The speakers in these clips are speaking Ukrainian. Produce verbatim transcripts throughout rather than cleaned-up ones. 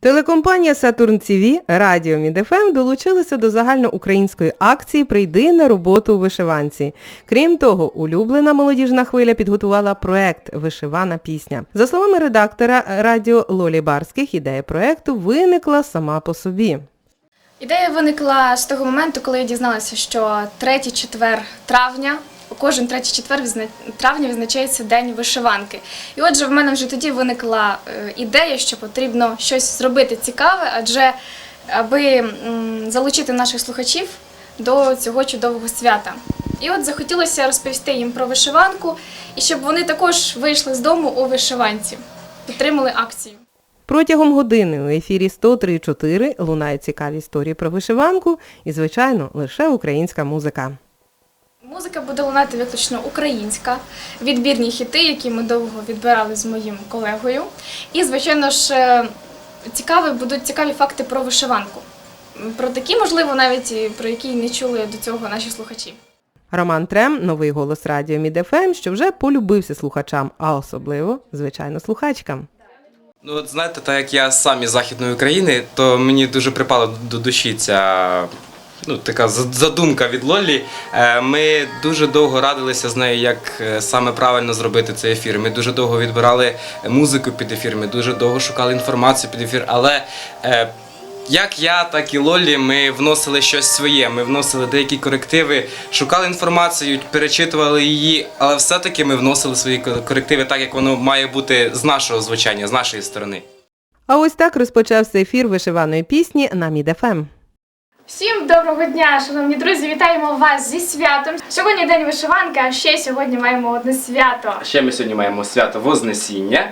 Телекомпанія «Сатурн ТВ», радіо «Мід-ФМ» долучилися до загальноукраїнської акції «Прийди на роботу у вишиванці». Крім того, улюблена молодіжна хвиля підготувала проект «Вишивана пісня». За словами редактора радіо Лолі Барських, ідея проекту виникла сама по собі. Ідея виникла з того моменту, коли я дізналася, що третій четвер травня, кожен третій четвер травня відзначається День вишиванки. І отже, в мене вже тоді виникла ідея, що потрібно щось зробити цікаве, адже аби залучити наших слухачів до цього чудового свята. І от захотілося розповісти їм про вишиванку, і щоб вони також вийшли з дому у вишиванці, підтримали акцію. Протягом години у ефірі сто три чотири лунають цікаві історії про вишиванку і, звичайно, лише українська музика. Музика буде лунати виключно українська, відбірні хіти, які ми довго відбирали з моїм колегою. І, звичайно ж, цікаві, будуть цікаві факти про вишиванку. Про такі, можливо, навіть про які не чули до цього наші слухачі. Роман Трем – новий голос радіо «Мід-ФМ», що вже полюбився слухачам, а особливо, звичайно, слухачкам. Ну, от знаєте, так як я сам із Західної України, то мені дуже припала до душі ця ну, така задумка від Лолі. Ми дуже довго радилися з нею, як саме правильно зробити цей ефір. Ми дуже довго відбирали музику під ефір, ми дуже довго шукали інформацію під ефір, але як я, так і Лолі, ми вносили щось своє, ми вносили деякі корективи, шукали інформацію, перечитували її, але все-таки ми вносили свої корективи так, як воно має бути з нашого звучання, з нашої сторони. А ось так розпочався ефір вишиваної пісні на Мід-ФМ. Всім доброго дня, шановні друзі, вітаємо вас зі святом. Сьогодні день вишиванки, а ще сьогодні маємо одне свято. Ще ми сьогодні маємо свято Вознесіння,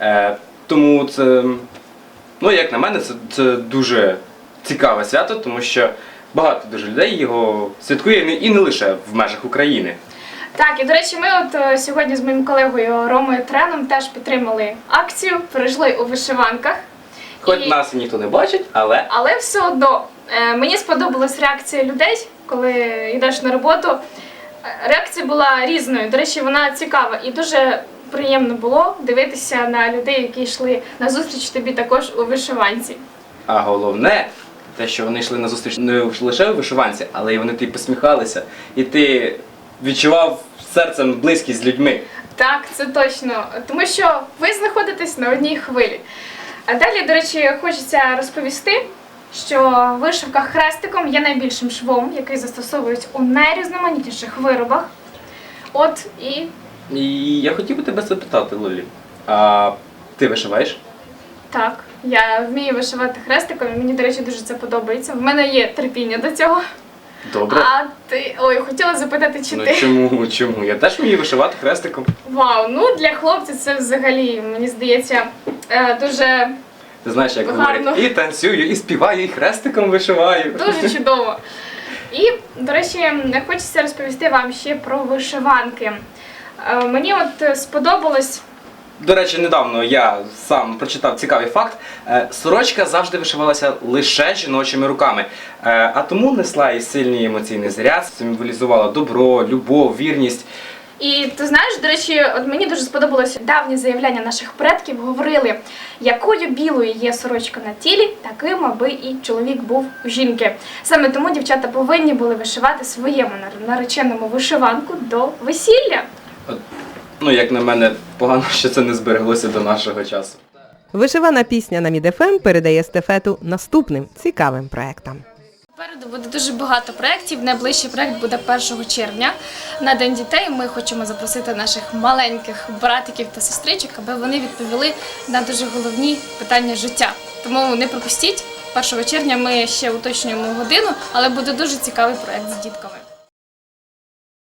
тому це... Ну, як на мене, це, це дуже цікаве свято, тому що багато дуже людей його святкує і не лише в межах України. Так, і, до речі, ми от сьогодні з моїм колегою Ромою Треном теж підтримали акцію, перейшли у вишиванках. Хоч і... нас ніхто не бачить, але... Але все одно, е, мені сподобалась реакція людей, коли йдеш на роботу. Реакція була різною, до речі, вона цікава і дуже... приємно було дивитися на людей, які йшли на зустріч тобі також у вишиванці. А головне, те, що вони йшли на зустріч не лише у вишиванці, але й вони тобі посміхалися. І ти відчував серцем близькість з людьми. Так, це точно. Тому що ви знаходитесь на одній хвилі. А далі, до речі, хочеться розповісти, що вишивка хрестиком є найбільшим швом, який застосовують у найрізноманітніших виробах. От і... І я хотів би тебе запитати, Лолі, а ти вишиваєш? Так, я вмію вишивати хрестиком, і мені, до речі, дуже це подобається. В мене є терпіння до цього. Добре. А ти... Ой, хотіла запитати, чи ну, ти? чому, чому? Я теж вмію вишивати хрестиком. Вау, ну для хлопців це взагалі, мені здається, дуже Ти знаєш, як гарно. говорять, і танцюю, і співаю, і хрестиком вишиваю. Дуже чудово. І, до речі, хочеться розповісти вам ще про вишиванки. Мені от сподобалось... До речі, недавно я сам прочитав цікавий факт. Сорочка завжди вишивалася лише жіночими руками, а тому несла і сильний емоційний заряд, символізувала добро, любов, вірність. І ти знаєш, до речі, от мені дуже сподобалося давні заявляння наших предків, говорили, якою білою є сорочка на тілі, таким, аби і чоловік був у жінки. Саме тому дівчата повинні були вишивати своєму нареченому вишиванку до весілля. Ну, як на мене, погано, що це не збереглося до нашого часу. Вишивана пісня на Мід-ФМ передає естафету наступним цікавим проектам. Попереду буде дуже багато проєктів. Найближчий проєкт буде першого червня. На День дітей ми хочемо запросити наших маленьких братиків та сестричок, аби вони відповіли на дуже головні питання життя. Тому не пропустіть, першого червня ми ще уточнюємо годину, але буде дуже цікавий проєкт з дітками.